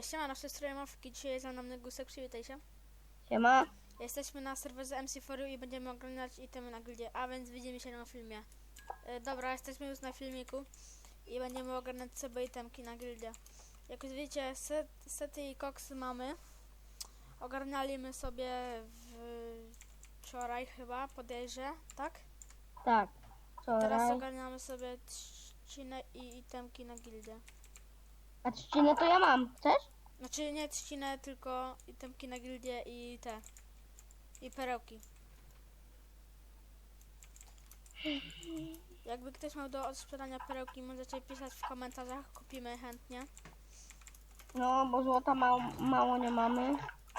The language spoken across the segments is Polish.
Siema, nasze strojomowki, dzisiaj jest za mną Negusek, przywitaj się. Siema. Jesteśmy na serwerze MC4 i będziemy oglądać itemy na gildzie, a więc widzimy się na filmie. Dobra, jesteśmy już na filmiku i będziemy oglądać sobie itemki na gildzie. Jak już wiecie, sety i koksy mamy. Ogarnialiśmy sobie wczoraj chyba, podejrzę, tak? Tak. Teraz Wczoraj. ogarniamy sobie trzcinę i itemki na gildzie. A trzcinę to ja mam. Chcesz? Znaczy nie trzcinę, tylko itemki na gildię i te. I perełki. Jakby ktoś miał do odsprzedania perełki, możecie pisać w komentarzach, kupimy chętnie. No, bo złota mało nie mamy.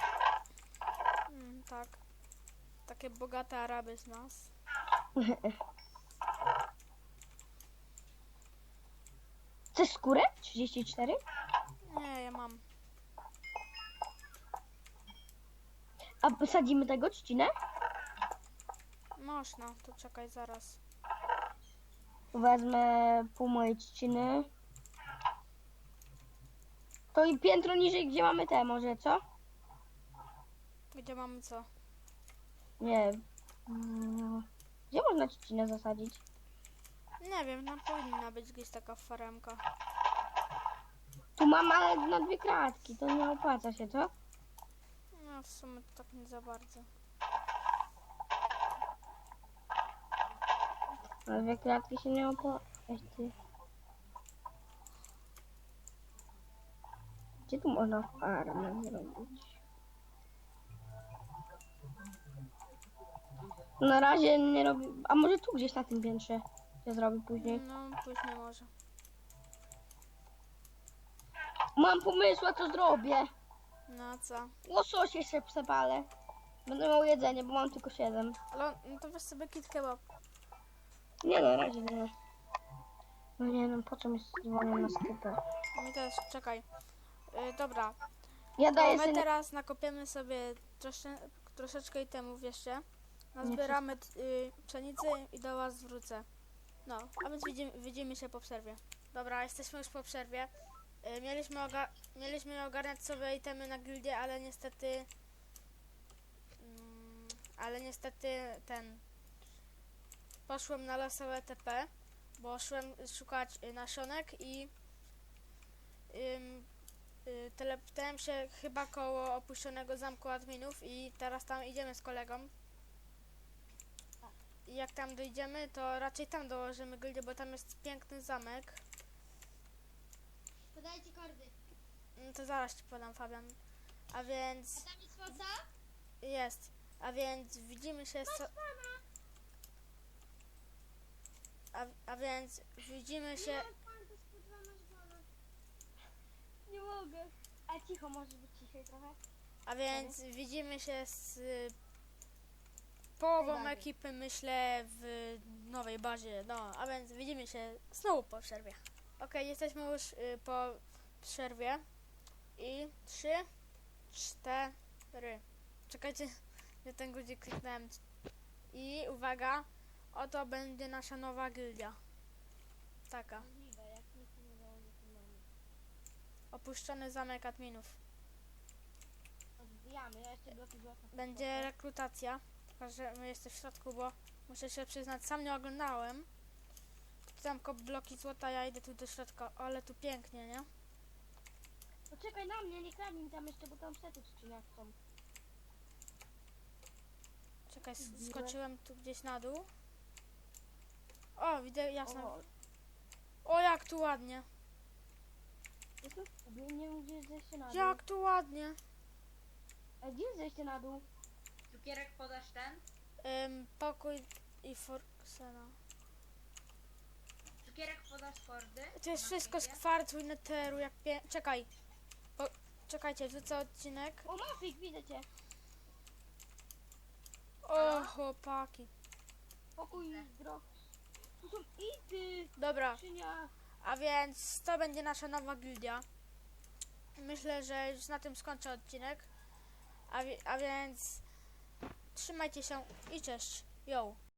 Tak. Takie bogate Araby z nas. Chcesz skórę? 34? Nie, ja mam. A posadzimy tego trzcinę? Można, to czekaj zaraz. Wezmę pół mojej trzciny. To i piętro niżej, gdzie mamy te może, co? Gdzie mamy co? Nie. Gdzie można trzcinę zasadzić? Nie wiem, tam powinna być gdzieś taka faremka. Tu mam, ale na 2 kratki. To nie opłaca się, co? No w sumie to tak nie za bardzo. Na 2 kratki się nie opłaca. Gdzie tu można farmę zrobić? Na razie nie robię. A może tu gdzieś na tym piętrze się zrobi później? No, później może. Mam pomysł, a co zrobię? No co? Łosoś jeszcze przepalę. Będę miał jedzenie, bo mam tylko 7. Ale no to weź sobie kit kebab. Nie, na razie nie. No nie, no po co mi dzwonią na sklepę? Mi też, czekaj. Dobra. Ja daję My sobie... teraz nakopiemy sobie troszeczkę itemów jeszcze. Nazbieramy pszenicy i do was wrócę. No, a więc widzimy się po przerwie. Dobra, jesteśmy już po przerwie. Mieliśmy ogarniać sobie itemy na gildię, ale niestety... Poszłem na losowe TP, bo szłem szukać nasionek i... teleptałem się chyba koło opuszczonego zamku adminów i teraz tam idziemy z kolegą. I jak tam dojdziemy, to raczej tam dołożymy gildię, bo tam jest piękny zamek. Podajcie kordy. No to zaraz ci podam, Fabian. A więc... A tam jest fosa? Jest. A więc widzimy się... A więc widzimy się... Nie mogę. A cicho, może być ciszej trochę? A więc widzimy się z połową ekipy, myślę, w nowej bazie. No, a więc widzimy się znowu po przerwie. Okej, jesteśmy już po przerwie. I 3, 4. Czekajcie, nie ten guzik kliknąłem. I uwaga, oto będzie nasza nowa gildia. Taka. Opuszczony zamek adminów. Odbijamy, ja jeszcze bloki złota. Będzie rekrutacja, tylko że my jesteśmy w środku, bo muszę się przyznać, sam nie oglądałem. Tam bloki złota, ja idę tu do środka, ale tu pięknie, nie? Poczekaj na mnie, nie kradnij mi tam jeszcze, bo tam sety trzcinać są. Czekaj, skoczyłem tu gdzieś na dół. O, widzę, jasno. O, jak tu ładnie. Jestem w kubie, nie wiem gdzie jest zejście na dół. Jak tu ładnie. A gdzie jest zejście na dół? Cukierek podasz ten? Pokój i Forksena. Cukierek podasz kordy? To jest Na wszystko z sklepie? kwarcu i neteru, jak Czekaj. Czekajcie, wrzucę odcinek. O, Mafik, widzę cię. O, chłopaki. Pokój groch. Tu są ity. Dobra, Skrzynia. a więc to będzie nasza nowa gildia. Myślę, że już na tym skończę odcinek. A więc trzymajcie się i cześć. Yo.